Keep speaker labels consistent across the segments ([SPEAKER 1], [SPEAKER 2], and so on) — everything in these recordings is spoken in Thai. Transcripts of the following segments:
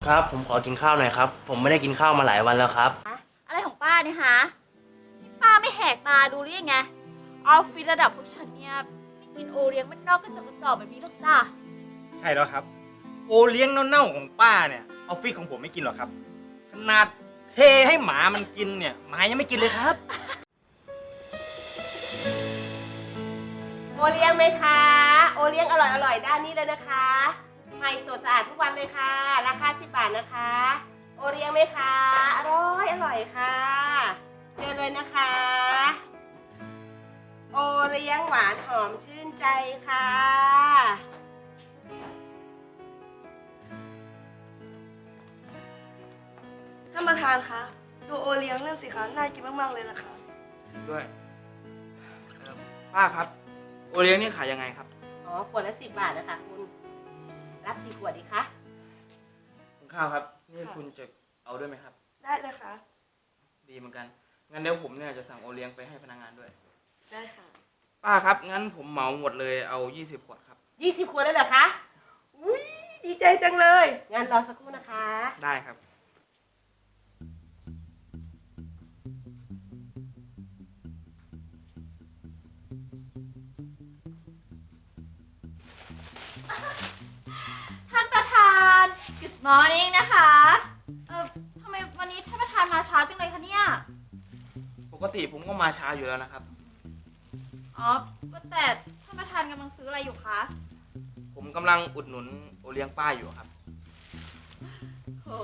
[SPEAKER 1] ครับผมขอกินข้าวหน่อยครับผมไม่ได้กินข้าวมาหลายวันแล้วครับ
[SPEAKER 2] อะไรของป้าเนี่ยฮะนี่ป้าไม่แหกตาดูหรือยังไงออฟฟิศระดับพวกฉันเนี่ยไม่กินโอเลี้ยงมันนอกก็จะกระจอกแบบนี้หรอกจ้า
[SPEAKER 3] ใช่แล้วครับโอเลี้ยงเน่าๆของป้าเนี่ยออฟฟิศของผมไม่กินหรอกครับขนาดเทให้หมามันกินเนี่ยหมายังไม่กินเลยครับ
[SPEAKER 4] โอเลี้ยงไหมคะโอเลี้ยงอร่อยด้านนี้เลยนะคะใหม่สดสะอาดทุกวันเลยค่ะราคา10 บาทนะคะโอเลี้ยงไหมคะอร่อยค่ะเจอเลยนะคะโอเลี้ยงหวานหอมชื่นใจค่ะ
[SPEAKER 5] ท่านประธานคะดูโอเลี้ยงนั่นสิคะน่ากินมากๆเลยล่ะค่ะ
[SPEAKER 3] ด้วยป้าครับโอเลี้ยงนี่ขายยังไงครับ
[SPEAKER 4] อ๋อขวดละ10 บาทนะคะคุณรับกี่ขวดดีคะ
[SPEAKER 3] คุณข้าวครับนี่คุณจะเอาด้วยไหมครับ
[SPEAKER 5] ได้เลยค่ะ
[SPEAKER 3] ดีเหมือนกันงั้นเดี๋ยวผมเนี่ยจะสั่งโอเลี้ยงไปให้พนักงานด้วย
[SPEAKER 5] ได้ค่ะ
[SPEAKER 3] ป้าครับงั้นผมเหมาหมดเลยเอา20 ขวดครับ
[SPEAKER 4] 20 ขวดเลยเหรอคะอุ้ยดีใจจังเลยงั้นรอสักครู่นะคะ
[SPEAKER 3] ได้ครับ
[SPEAKER 2] ท่านประธาน Good morning นะคะทำไมวันนี้ท่านประธานมาช้าจังเลยคะเนี่ย
[SPEAKER 3] ปกติผมก็มาช้าอยู่แล้วนะครับ
[SPEAKER 2] อ๋อแต่ท่านประธานกำลังซื้ออะไรอยู่คะ
[SPEAKER 3] ผมกำลังอุดหนุนโอเลี้ยงป้าอยู่ครับ
[SPEAKER 2] โห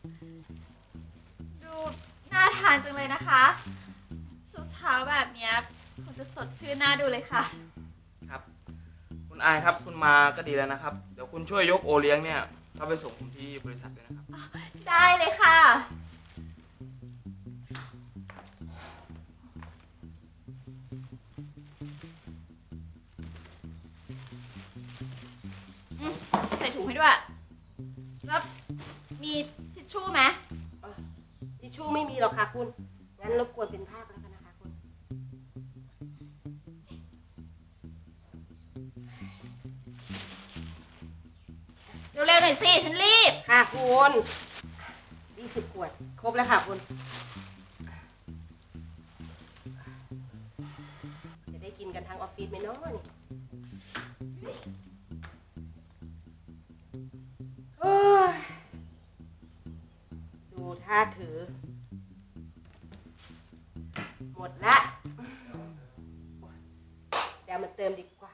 [SPEAKER 2] ดูน่าทานจังเลยนะคะเช้าแบบเนี้ยคงจะสดชื่นน่าดูเลยค่ะ
[SPEAKER 3] ครับคุณอายครับคุณมาก็ดีแล้วนะครับเดี๋ยวคุณช่วยยกโอเลี้ยงเนี่ยเข้าไปส่งผมที่บริษัทด้วยนะครับ
[SPEAKER 2] ได้เลยค่ะใส่ถุงให้ด้วยแล้วมีทิชชู่ไหม
[SPEAKER 4] ทิชชู่ไม่มีหรอกค่ะคุณงั้นรบกวนเป็นภาพแล้วกันนะคะคุณ
[SPEAKER 2] เร็วๆหน่อยสิฉันรีบ
[SPEAKER 4] ค่ะคุณ20 ขวดครบแล้วค่ะคุณจะได้กินกันทั้งออฟฟิศไหมเนาะนี่โอ้ยดูท่าถือหมดละเดี๋ยวมาเติมดีกว่า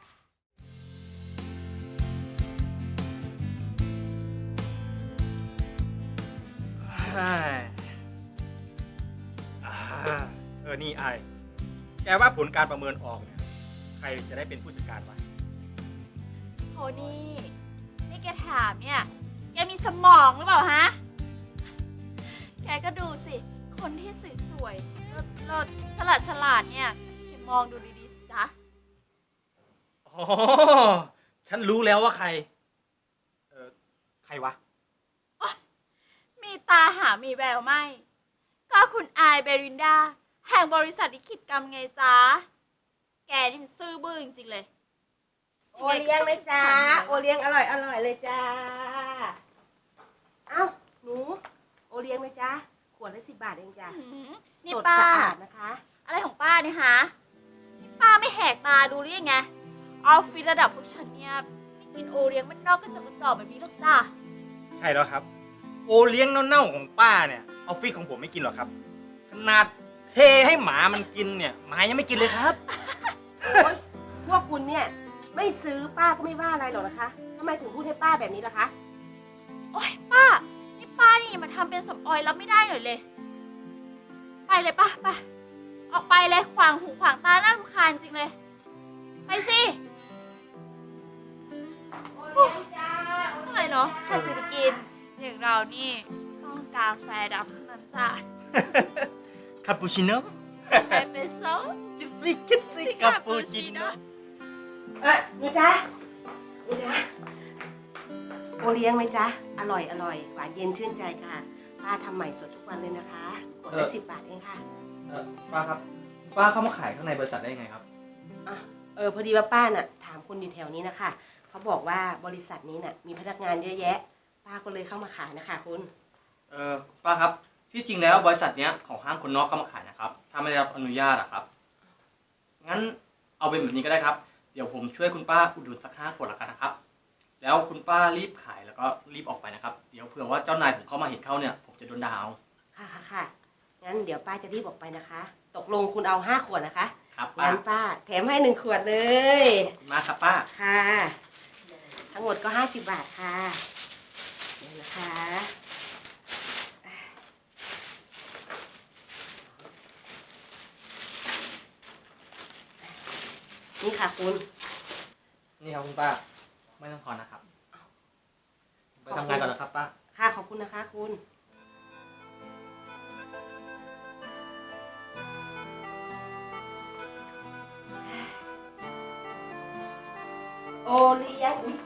[SPEAKER 3] นี่ไอแกว่าผลการประเมินออกเนี่ยใครจะได้เป็นผู้จัดการวะ
[SPEAKER 2] โทนี่แกถามเนี่ยแกมีสมองหรือเปล่าฮะแกก็ดูสิคนที่สวยๆเลิศฉลาดเนี่ยแกมองดูดีๆสิจ๊ะ
[SPEAKER 3] อ๋อฉันรู้แล้วว่าใครใครวะ
[SPEAKER 2] มีตาหามีแววไหมก็คุณอายเบรินดาแห่งบริษัทลิขิตกรรมไงจ๊ะแกนี่มันซื่อบื้อจริงๆเลย
[SPEAKER 4] โอเลี้ยงไหมจ๊ะโอเลี้ยงอร่อยเลยจ้าเอ้าหนูโอเลี้ยงไหมจ๊ะขวดละ10 บาทเองจ้ะ
[SPEAKER 2] นี่
[SPEAKER 4] สด
[SPEAKER 2] ป้า
[SPEAKER 4] สะอาดนะคะ
[SPEAKER 2] อะไรของป้าเนี่ยฮะนี่ป้าไม่แหกตาดูหรือยังไงออฟฟิศระดับพวกฉันเนี่ยไม่กินโอเลี้ยงมันนอกก็จะกระจอกแบบนี้หรอกจ้า
[SPEAKER 3] ใช่แล้วครับโอเลี้ยงเน่าๆของป้าเนี่ยออฟฟิศของผมไม่กินหรอกครับขนาดเทให้หมามันกินเนี่ยหมายังไม่กินเลยครับ
[SPEAKER 4] พวกคุณเนี่ยไม่ซื้อป้าก็ไม่ว่าอะไรหรอกนะคะทำไมถึงพูดให้ป้าแบบนี้ล่ะคะ
[SPEAKER 2] โอ๊ยป้านี่มาทำเป็นสำออยรับไม่ได้หน่อยเลยไปเลยป้าไปออกไปเลยขวางหูขวางตาน่ารำคาญจริงเลยไปสิอะไรเนาะใครจะไปกินอย่างเรานี่ต้องกาแฟดำเท่านั้นจ้ะ
[SPEAKER 3] คาปูชิโน่
[SPEAKER 2] เอสเปรสโซ่
[SPEAKER 3] คิดสิคาปูชิโน่
[SPEAKER 4] หนูจ๊ะโอเลี้ยงไหมจ๊ะอร่อยหวานเย็นชื่นใจค่ะป้าทำใหม่สดทุกวันเลยนะคะขวดละ10 บาทเองค่ะ
[SPEAKER 3] ป้าครับป้าเข้ามาขายข้างในบริษัทได้ยังไงครับ
[SPEAKER 4] พอดีว่าป้าน่ะถามคนอยู่แถวนี้นะคะเขาบอกว่าบริษัทนี้น่ะมีพนักงานเยอะแยะป้าก็เลยเข้ามาขายนะคะคุณ
[SPEAKER 1] ป้าครับ ที่จริงแล้วบริษัทเนี้ยของห้างคนนอกเข้ามาขายนะครับ ถ้าไม่ได้รับอนุญาตอะครับ งั้นเอาเป็นแบบนี้ก็ได้ครับ เดี๋ยวผมช่วยคุณป้าอุดหนุนสัก5 ขวดแล้วกันนะครับ แล้วคุณป้ารีบขายแล้วก็รีบออกไปนะครับ เดี๋ยวเผื่อว่าเจ้านายผมเข้ามาเห็นเข้าเนี่ยผมจะโดนด่าเอา
[SPEAKER 4] ค่ะงั้นเดี๋ยวป้าจะรีบออกไปนะคะ ตกลงคุณเอา5 ขวดนะคะ
[SPEAKER 1] ครับป้า
[SPEAKER 4] งั้นป้าแถมให้1 ขวดเลย
[SPEAKER 1] ขอบคุณมากครับป้า
[SPEAKER 4] ค่ะ ทั้งหมดก็50 บาทค่ะเดี๋ยวนะคะนี่ค่ะคุณ
[SPEAKER 1] นี่ครับคุณป้า ไม่ต้องทอนนะครับไปทำงานก่อนนะครับป้า
[SPEAKER 4] ค่ะขอบคุณนะคะคุณ โอเลี้ยงอุ๊ย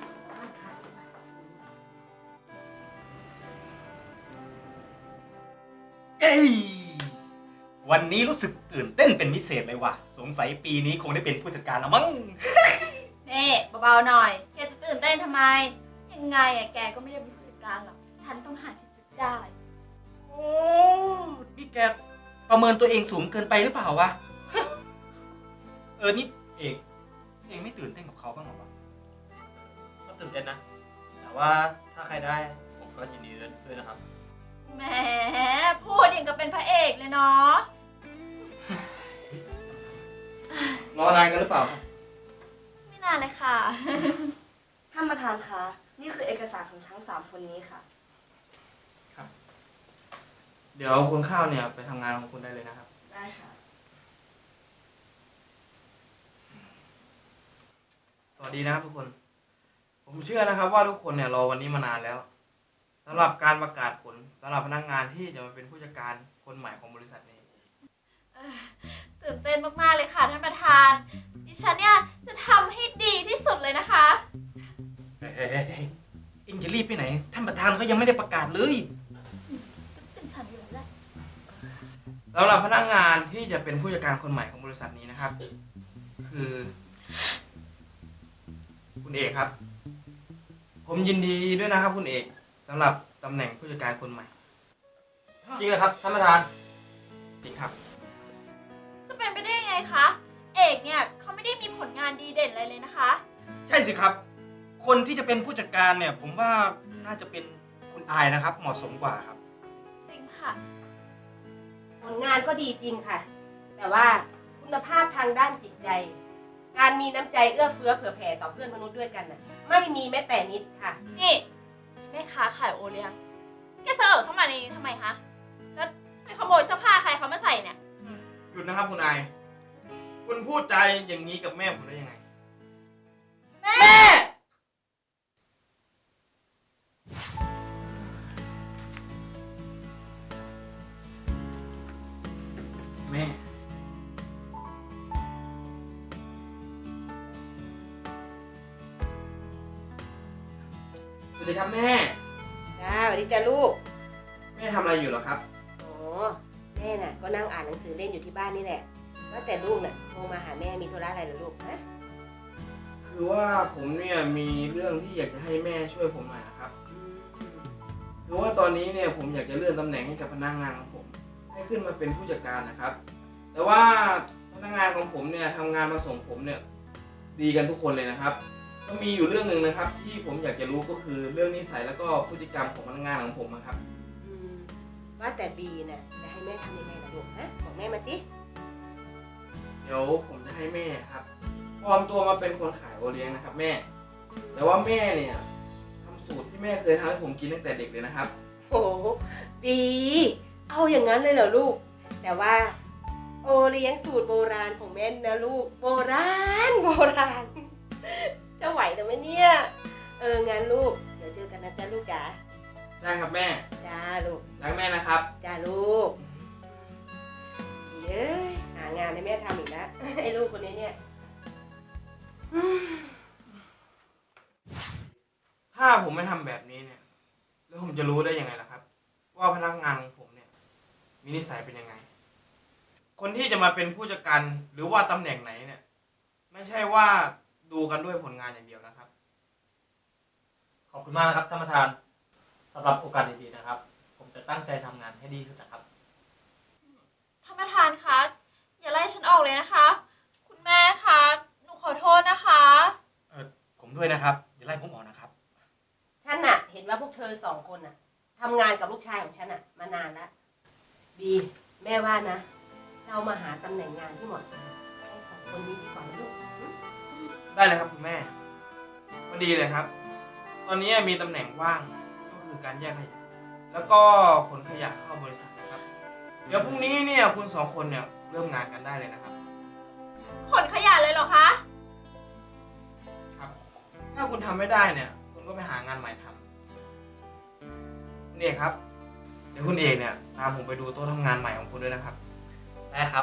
[SPEAKER 3] เอ้ยวันนี้รู้สึกตื่นเต้นเป็นพิเศษเลยว่ะ สงสัยปีนี้คงได้เป็นผู้จัดการแล้วมั้ง
[SPEAKER 2] นี่เบาๆหน่อยแกจะตื่นเต้นทำไม ยังไงอะแกก็ไม่ได้เป็นผู้จัดการหรอก ฉันต้องหาที่จะได้
[SPEAKER 3] โอ้นี่แกประเมินตัวเองสูงเกินไปหรือเปล่าวะ นี่เองไม่ตื่นเต้นกับเขาบ้างเหรอวะ
[SPEAKER 1] ก็ตื่นเต้นนะ แต่ว่าถ้าใครได้ผมก็ยินดีด้วยนะครับ
[SPEAKER 2] แหมพูดอย่างกับเป็นพระเอกเลยเนาะ
[SPEAKER 1] รอนานกันหรือเปล่าครับ
[SPEAKER 2] ไม่นานเลยค่ะ
[SPEAKER 5] ท่านประธานคะ นี่คือเอกสารของทั้ง3 คนนี้ค่ะ
[SPEAKER 1] เดี๋ยวคุณข้าวเนี่ยไปทำงานของคุณได้เลยนะครับ
[SPEAKER 5] ได้ค่ะ
[SPEAKER 6] สวัสดีนะครับทุกคน ผมเชื่อนะครับว่าทุกคนเนี่ยรอวันนี้มานานแล้วสำหรับการประกาศผลสำหรับพนักงานที่จะมาเป็นผู้จัดการคนใหม่ของบริษัทนี้
[SPEAKER 2] ตื่นเต้นมากๆเลยค่ะท่านประธาน ดิฉันเนี่ยจะทำให้ดีที่สุดเลยนะคะ
[SPEAKER 3] เฮ้ยเอ็งจะรีบไปไหน ท่านประธานเขายังไม่ได้ประกาศเลย
[SPEAKER 2] เป็นฉันอยู่แล้วแหละ
[SPEAKER 6] สำหรับพนักงานที่จะเป็นผู้จัดการคนใหม่ของบริษัทนี้นะครับ คือ คุณเอกครับ ผมยินดีด้วยนะครับคุณเอกสำหรับตำแหน่งผู้จัดการคนใหม่
[SPEAKER 1] จริงเหรอครับท่านประธาน
[SPEAKER 6] จริงครับ
[SPEAKER 2] จะเป็นไปได้ยังไงคะ เอกเนี่ยเขาไม่ได้มีผลงานดีเด่นอะไรเลยนะคะ
[SPEAKER 3] ใช่สิครับ คนที่จะเป็นผู้จัดการเนี่ย ผมว่าน่าจะเป็นคุณอายนะครับ เหมาะสมกว่าครับ
[SPEAKER 2] จริงค่ะ
[SPEAKER 4] ผลงานก็ดีจริงค่ะ แต่ว่าคุณภาพทางด้านจิตใจ การมีน้ำใจเอื้อเฟื้อเผื่อแผ่ต่อเพื่อนมนุษย์ด้วยกันน่ะ ไม่มีแม้แต่นิดค่ะ
[SPEAKER 2] นี่แม่ค้าขายโอเลี้ยง แกเสนอเข้ามาในนี้ทำไมคะ แล้วไปขโมยเสื้อผ้าใครเขามาใส่เนี่ย
[SPEAKER 6] หยุดนะครับคุณอาย คุณพูดใจาอย่างนี้กับแม่ผมได้ยังไง
[SPEAKER 2] แม่
[SPEAKER 6] แม่ สวัสดีครับแม่
[SPEAKER 4] จ้าสวัสดีจ้าลูก
[SPEAKER 6] แม่ทำอะไรอยู่เหรอครับ
[SPEAKER 4] อ๋อ แม่น่ะ ก็นั่งอ่านหนังสือเล่นอยู่ที่บ้านนี่แหละ ว่าแต่ลูกน่ะโทรมาหาแม่มีธุระอะไรเหรอลูกฮะ
[SPEAKER 6] คือว่าผมเนี่ยมีเรื่องที่อยากจะให้แม่ช่วยผมหน่อยนะครับ คือว่าตอนนี้เนี่ยผมอยากจะเลื่อนตำแหน่งให้กับพนักงานของผม ให้ขึ้นมาเป็นผู้จัดการนะครับ แต่ว่าพนักงานของผมเนี่ยทำงานมาส่งผมเนี่ยดีกันทุกคนเลยนะครับ ก็มีอยู่เรื่องหนึ่งนะครับ ที่ผมอยากจะรู้ก็คือเรื่องนิสัยแล้วก็พฤติกรรมของพนักงานของผมนะครับ
[SPEAKER 4] อืมว่าแต่บีน่ะจะให้แม่ทำยังไงล่ะลูกฮะบอกแม่มาสิ
[SPEAKER 6] เดี๋ยวผมจะให้แม่ครับปลอมตัวมาเป็นคนขายโอเลี้ยงนะครับ แม่ แต่ว่าแม่เนี่ยทำสูตรที่แม่เคยทำให้ผมกินตั้งแต่เด็กเลยนะครับ
[SPEAKER 4] โอ้บี เอาอย่างนั้นเลยเหรอลูก แต่ว่าโอเลี้ยงสูตรโบราณของแม่นะลูก โบราณ จะไหวหรือไม่เนี่ย งั้นลูก เดี๋ยวเจอกันนะจ๊ะลูกจ๋า
[SPEAKER 6] ได้ครับแม่
[SPEAKER 4] จ้าลูก
[SPEAKER 6] รักแม่นะครับ
[SPEAKER 4] จ้าลูกเย้ยหางานให้แม่ทำอีกแล้ว ไอ้ลูกคนนี้เนี่ย
[SPEAKER 6] ถ้าผมไม่ทำแบบนี้เนี่ย แล้วผมจะรู้ได้ยังไงล่ะครับ ว่าพนักงานของผมเนี่ย มีนิสัยเป็นยังไง คนที่จะมาเป็นผู้จัดการหรือว่าตำแหน่งไหนเนี่ย ไม่ใช่ว่าดูกันด้วยผลงานอย่างเดียวนะครับ
[SPEAKER 1] ขอบคุณมากนะครับท่านประธานสำหรับโอกาสดีๆนะครับ ผมจะตั้งใจทำงานให้ดีที่สุดนะครับ
[SPEAKER 2] ท่านประธานคะ อย่าไล่ฉันออกเลยนะคะ คุณแม่คะ หนูขอโทษนะคะ
[SPEAKER 3] ผมด้วยนะครับอย่าไล่ผมออกนะครับ
[SPEAKER 4] ฉันน่ะ เห็นว่าพวกเธอสองคนน่ะทำงานกับลูกชายของฉันน่ะมานานแล้วบีแม่ว่านะ เรามาหาตำแหน่งงานที่เหมาะสมให้สองคนนี้ดีกว่านะลูก
[SPEAKER 6] ได้เลยครับคุณแม่พอดีเลยครับ ตอนนี้มีตำแหน่งว่างก็คือการแยกขยะแล้วก็ขนขยะเข้าบริษัทนะครับ เดี๋ยวพรุ่งนี้เนี่ยคุณสองคนเนี่ยเริ่มงานกันได้เลยนะครับ
[SPEAKER 2] ขนขยะเลยเหรอคะ
[SPEAKER 6] ครับ ถ้าคุณทำไม่ได้เนี่ยคุณก็ไปหางานใหม่ทำคุณเอกครับ เดี๋ยวคุณเอกเนี่ยตามผมไปดูโต๊ะทำงานใหม่ของคุณด้วยนะครับ
[SPEAKER 1] ได้ครับ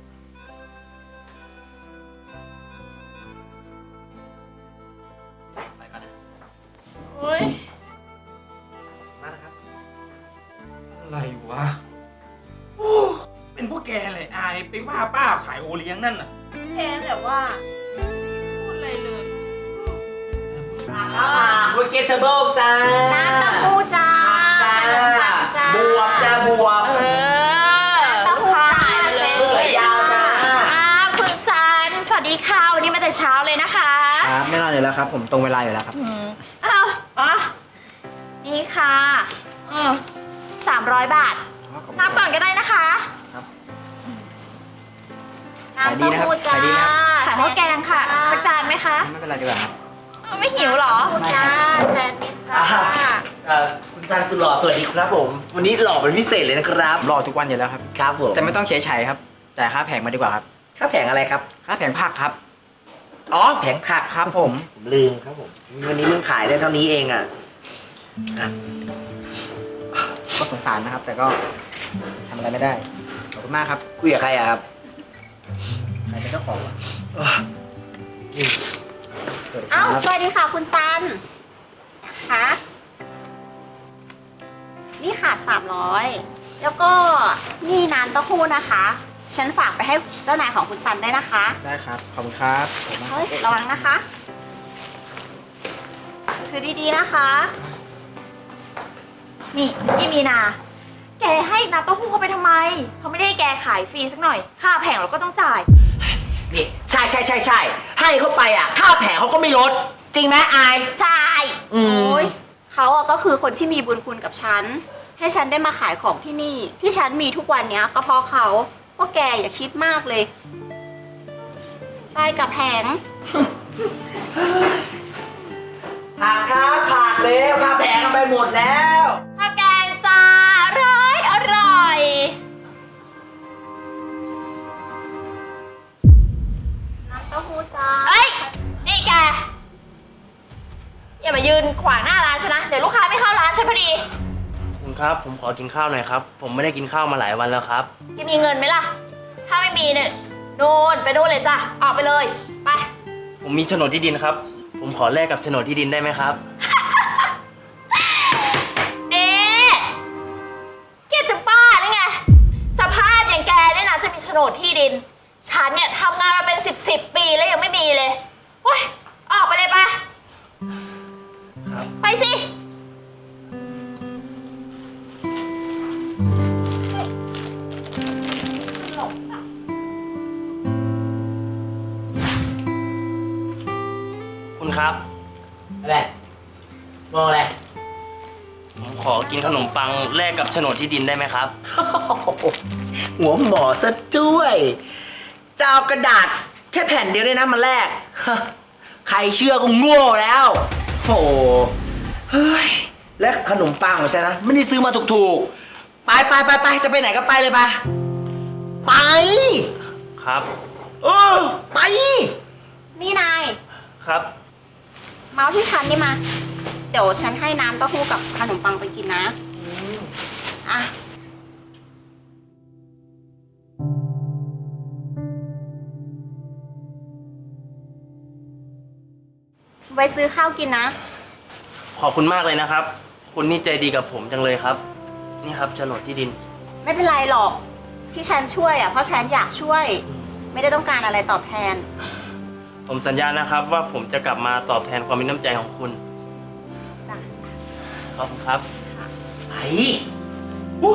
[SPEAKER 1] ไปก่อนนะ
[SPEAKER 2] โอ้ย
[SPEAKER 1] มานะครับ
[SPEAKER 3] อะไรวะโอ้เป็นพวกแกเลยอายไปว่าป้าขายโอเลี้ยงนั่นน่ะ
[SPEAKER 2] แกแต่ว่า พูดอะไรเลย
[SPEAKER 7] บุเกตเบิลจ้า
[SPEAKER 4] น้ำเต้าหู้จ้า
[SPEAKER 7] จ้า
[SPEAKER 4] ขนมปังจ้า
[SPEAKER 7] บวบจ้าบวบ
[SPEAKER 2] เออ
[SPEAKER 4] เต้าหู้จ้า
[SPEAKER 2] เลย
[SPEAKER 7] เปื่อยยาวจ้า
[SPEAKER 2] คุณซัน สวัสดีค่ะวันนี้มาแต่เช้าเลยนะคะ
[SPEAKER 7] ครับแน่นอนอยู่แล้วครับ ผมตรงเวลาอยู่แล้วครับ
[SPEAKER 2] อ้าวอ๋อ นี่ค่ะ300 บาท นับก่อนก็ได้นะคะ
[SPEAKER 7] ขายดีนะครับขายดีนะครับ
[SPEAKER 2] ขายข้าวแกงค่ะ สักจานไหมคะ
[SPEAKER 7] ไม่เป็นไรดีกว่าครับ
[SPEAKER 2] ไม่หิวเหรอ
[SPEAKER 4] จ้าแซนด์วิชจ้า
[SPEAKER 7] คุณซันสุดหล่อสวัสดีครับผม วันนี้หล่อเป็นพิเศษเลยนะครับ
[SPEAKER 8] รอทุกวันอยู่แล้วครับ
[SPEAKER 7] ครับผม
[SPEAKER 8] แต่ไม่ต้องเฉยๆครับ แต่ค่าแผงมาดีกว่าครับ
[SPEAKER 7] ค่าแผงอะไรครับ
[SPEAKER 8] ค่าแผงผักครับ
[SPEAKER 7] อ๋อแผงผัก
[SPEAKER 8] ครับผม
[SPEAKER 7] ผมลืมครับผม วันนี้มึงขายได้เท่านี้เองอ่ะ
[SPEAKER 8] ก็สงสารนะครับ แต่ก็ทำอะไรไม่ได้ ขอบคุณมากครับ
[SPEAKER 7] คุยกับใครอะครับ
[SPEAKER 8] ใครเป็นเจ้าของวะสวัสดีค
[SPEAKER 4] เอ้า
[SPEAKER 8] รับ
[SPEAKER 4] สวัสดีค่ะคุณซันค่ะนี่ค่ะ300แล้วก็นี่น้ำเต้าหู้นะคะ ฉันฝากไปให้เจ้านายของคุณซันได้นะคะ
[SPEAKER 8] ได้ครับ ขอบคุณครับขอบคุณมากค
[SPEAKER 4] เฮ้
[SPEAKER 8] รั
[SPEAKER 4] ย
[SPEAKER 8] บ
[SPEAKER 4] ระวังนะคะ คือดีๆนะคะ
[SPEAKER 2] นี่พี่มีนา แกให้น้ำเต้าหู้เขาไปทำไม เขาไม่ได้ให้แกขายฟรีสักหน่อย ค่าแผงเราก็ต้องจ่าย
[SPEAKER 7] นี่ใช่ให้เข้าไปอ่ะ ค่าแผงเขาก็ไม่ลด จริงไหมอาย
[SPEAKER 2] ใช่
[SPEAKER 7] อืม
[SPEAKER 4] โอ้ยเขาอะก็คือคนที่มีบุญคุณกับฉัน ให้ฉันได้มาขายของที่นี่ ที่ฉันมีทุกวันเนี้ย ก็เพราะเขาพวกแกอย่าคิดมากเลย ไปกับแผง
[SPEAKER 7] ผักครับผักเร็วค่าแผงเอาไปหมดแล้ว
[SPEAKER 2] ข้าวแกงจ้าอร่อย
[SPEAKER 4] น้ำเต้าหู้จ้า
[SPEAKER 2] เอ้ย นี่แก อย่ามายืนขวางหน้าร้านฉันนะ เดี๋ยวลูกค้าไม่เข้าร้านฉันพอดี
[SPEAKER 9] คุณครับ ผมขอกินข้าวหน่อยครับ ผมไม่ได้กินข้าวมาหลายวันแล้วครับ
[SPEAKER 2] แกมีเงินไหมล่ะ ถ้าไม่มีเนี่ยนู่นไปนู่นเลยจ้ะ ออกไปเลย ไป
[SPEAKER 9] ผมมีโฉนดที่ดินครับ ผมขอแลกกับโฉนดที่ดินได้ไหมครับ
[SPEAKER 2] เอ๊ะแกจะบ้าหรือไง สภาพอย่างแกเนี่ยนะจะมีโฉนดที่ดิน ฉันเนี่ยทำงานมาเป็น10 ปีแล้วยังไม่มีเลยเฮ้ย ออกไปเลยไป
[SPEAKER 9] ครับ
[SPEAKER 2] ไปสิ
[SPEAKER 9] คุณครับ
[SPEAKER 7] อะไร มองอะไร
[SPEAKER 9] ผมขอกินขนมปังแลกกับโฉนดที่ดินได้ไหมครับ
[SPEAKER 7] หัวหมอซะด้วยจะเอากระดาษแค่แผ่นเดียวด้วยนะมาแลก ใครเชื่อก็โง่แล้วโอ้เฮ้ย และขนมปังของฉันนะไม่ได้ซื้อมาถูกๆ ไปจะไปไหนก็ไปเลยไป ไป
[SPEAKER 9] ครับ
[SPEAKER 7] เออ ไป
[SPEAKER 4] นี่นาย
[SPEAKER 9] ครับ
[SPEAKER 4] เมาส์ที่ฉันนี่มา เดี๋ยวฉันให้น้ำเต้าหู้กับขนมปังไปกินนะ อ่ะ ไว้ซื้อข้าวกินนะ
[SPEAKER 9] ขอบคุณมากเลยนะครับ คุณนี่ใจดีกับผมจังเลยครับ นี่ครับโฉนดที่ดิน
[SPEAKER 4] ไม่เป็นไรหรอก ที่ฉันช่วยอ่ะ เพราะฉันอยากช่วย ไม่ได้ต้องการอะไรตอบแทน
[SPEAKER 9] ผมสัญญานะครับว่าผมจะกลับมาตอบแทนความมีน้ำใจของคุณ
[SPEAKER 4] จ้ะ
[SPEAKER 9] ขอบคุณครับ
[SPEAKER 4] ค่ะ
[SPEAKER 7] ไอ้อู้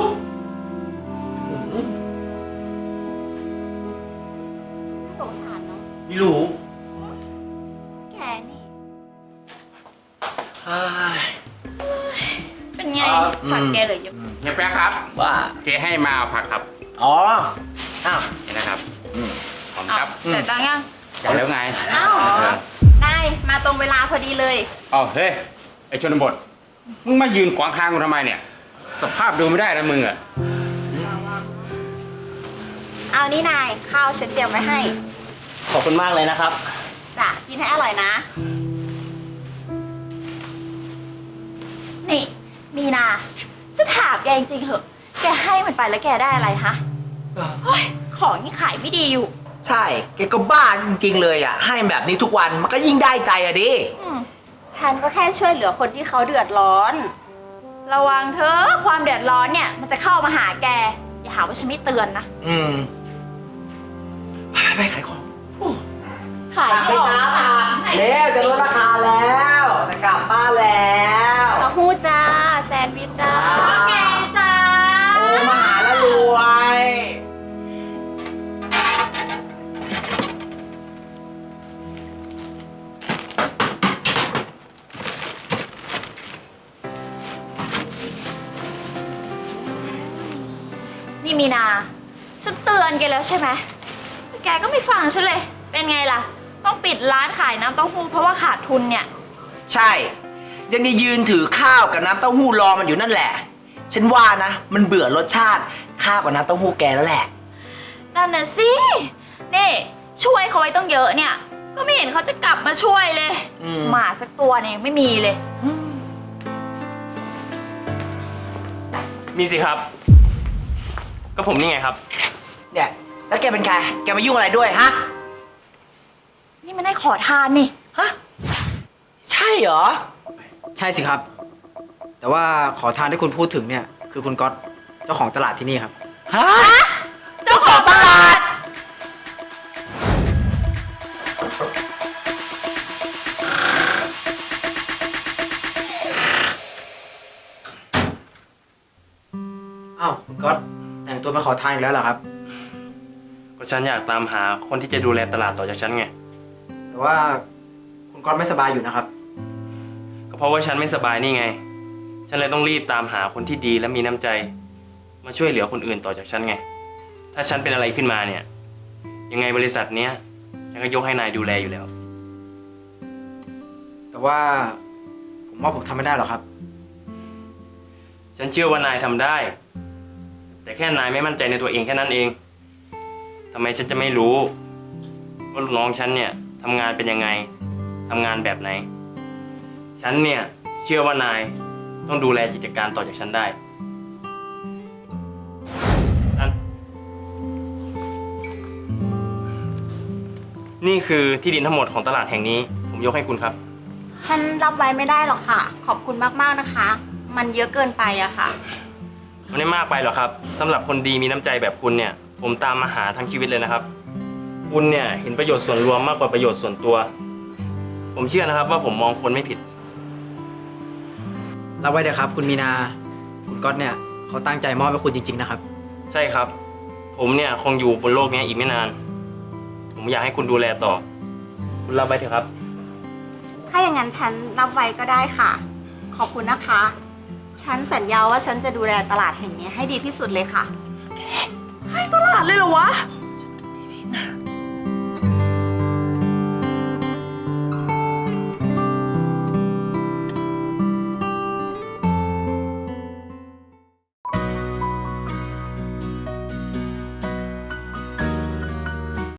[SPEAKER 2] สงสารเนาะ
[SPEAKER 7] ไม่รู้
[SPEAKER 2] แกนี่
[SPEAKER 7] อ้าย
[SPEAKER 2] เป็นไงผักแกเหลยเยอะ
[SPEAKER 10] เฮียแป๊ะครับ
[SPEAKER 7] ว่า
[SPEAKER 10] เจ๊ให้มาเอาผักครับ
[SPEAKER 7] อ๋อ อ้าว
[SPEAKER 10] นี่นะครับขอบคุณครับ
[SPEAKER 2] แต่ตังค์ยัง
[SPEAKER 10] จ่ายแล้วไง
[SPEAKER 4] อ้าว ได้ มาตรงเวลาพอดีเลย
[SPEAKER 10] อ๋อเฮ้ย ไอชนบท มึงมายืนขวางทางกูทำไมเนี่ย สภาพดูไม่ได้นะมึงอะ
[SPEAKER 4] เอานี่นาย ข้าวฉันเตรียมไว้ให้
[SPEAKER 9] ขอบคุณมากเลยนะครับ
[SPEAKER 4] จ้ะ กินให้อร่อยนะ
[SPEAKER 2] นี่ มีนาจะถามแกจริงๆเหอะ แกให้มันไปแล้วแกได้อะไรฮะเฮ้ยของนี่ขายไม่ดีอยู่
[SPEAKER 7] ใช่ แกก็บ้าจริงๆเลยอ่ะ ให้แบบนี้ทุกวันมันก็ยิ่งได้ใจอะดิ
[SPEAKER 4] ฉันก็แค่ช่วยเหลือคนที่เขาเดือดร้อน
[SPEAKER 2] ระวังเถอะความเดือดร้อนเนี่ยมันจะเข้ามาหาแก อย่าหาว่าฉันไม่เตือนนะ
[SPEAKER 7] ไปขายของ
[SPEAKER 2] ขายของ
[SPEAKER 7] เร็วจะลดราคาแล้ว จะกลับบ้านแล้ว
[SPEAKER 4] เต้าหู้จ้า แซนด์วิชจ้า
[SPEAKER 2] แกจ้า
[SPEAKER 7] โอ้มาหาแล้วรวย
[SPEAKER 2] นี่มีนา ฉันเตือนแกแล้วใช่ไหมแต่แกก็ไม่ฟังฉันเลย เป็นไงล่ะ ต้องปิดร้านขายน้ำเต้าหู้เพราะว่าขาดทุนเนี่ย
[SPEAKER 7] ใช่ ยังจะยืนถือข้าวกับน้ำเต้าหู้รอมันอยู่นั่นแหละ ฉันว่านะ มันเบื่อรสชาติข้าวกับน้ำเต้าหู้แกแล้วแหละ
[SPEAKER 2] นั่นน่ะสิ นี่ช่วยเขาไว้ต้องเยอะเนี่ย ก็ไม่เห็นเขาจะกลับมาช่วยเลย หมาสักตัวเนี่ยยังไม่มีเลย
[SPEAKER 9] มีสิครับ ก็ผมนี่ไงครับ
[SPEAKER 7] เนี่ย แล้วแกเป็นใคร แกมายุ่งอะไรด้วยฮะ
[SPEAKER 2] นี่มันได้ขอทานนี่
[SPEAKER 7] ฮะ ใช่เหรอ
[SPEAKER 8] ใช่สิครับ แต่ว่าขอทานที่คุณพูดถึงเนี่ย คือคุณก๊อตเจ้าของตลาดที่นี่ครับ
[SPEAKER 7] ฮะ
[SPEAKER 2] เจ้าของตลาด
[SPEAKER 8] อ้าวคุณก๊อตแต่งตัวมาขอทานอีกแล้วเหรอครับ
[SPEAKER 9] ก็ฉันอยากตามหาคนที่จะดูแลตลาดต่อจากฉันไง
[SPEAKER 8] แต่ว่าคุณก๊อตไม่สบายอยู่นะครับ
[SPEAKER 9] ก็เพราะว่าฉันไม่สบายนี่ไง ฉันเลยต้องรีบตามหาคนที่ดีและมีน้ำใจ มาช่วยเหลือคนอื่นต่อจากฉันไง ถ้าฉันเป็นอะไรขึ้นมาเนี่ย ยังไงบริษัทเนี้ยฉันก็ยกให้นายดูแลอยู่แล้ว
[SPEAKER 8] แต่ว่าผมว่าผมทำไม่ได้หรอกครับ
[SPEAKER 9] ฉันเชื่อว่านายทำได้ แต่แค่นายไม่มั่นใจในตัวเองแค่นั้นเองทำไมฉันจะไม่รู้ว่าลูกน้องฉันเนี่ยทำงานเป็นยังไงทำงานแบบไหน ฉันเนี่ยเชื่อว่านายต้องดูแลกิจการต่อจากฉันได้นี่คือที่ดินทั้งหมดของตลาดแห่งนี้ผมยกให้คุณครับ
[SPEAKER 4] ฉันรับไว้ไม่ได้หรอกค่ะ ขอบคุณมากๆนะคะ มันเยอะเกินไปอะค่ะ
[SPEAKER 9] มันไม่มากไปหรอกครับสำหรับคนดีมีน้ำใจแบบคุณเนี่ย ผมตามมาหาทั้งชีวิตเลยนะครับ คุณเนี่ยเห็นประโยชน์ส่วนรวมมากกว่าประโยชน์ส่วนตัว ผมเชื่อนะครับว่าผมมองคนไม่ผิด
[SPEAKER 8] รับไว้เถอะครับ คุณมีนา คุณก๊อตเนี่ยเขาตั้งใจมอบให้คุณจริงๆนะครับ
[SPEAKER 9] ใช่ครับ ผมเนี่ยคงอยู่บนโลกนี้อีกไม่นาน ผมอยากให้คุณดูแลต่อ คุณรับไว้เถอะครับ
[SPEAKER 4] ถ้าอย่างนั้นฉันรับไว้ก็ได้ค่ะ ขอบคุณนะคะ ฉันสัญญาว่าฉันจะดูแลตลาดแห่งนี้ให้ดีที่สุดเลยค่ะ
[SPEAKER 2] ตลาดเลยเหรอวะ
[SPEAKER 4] ใ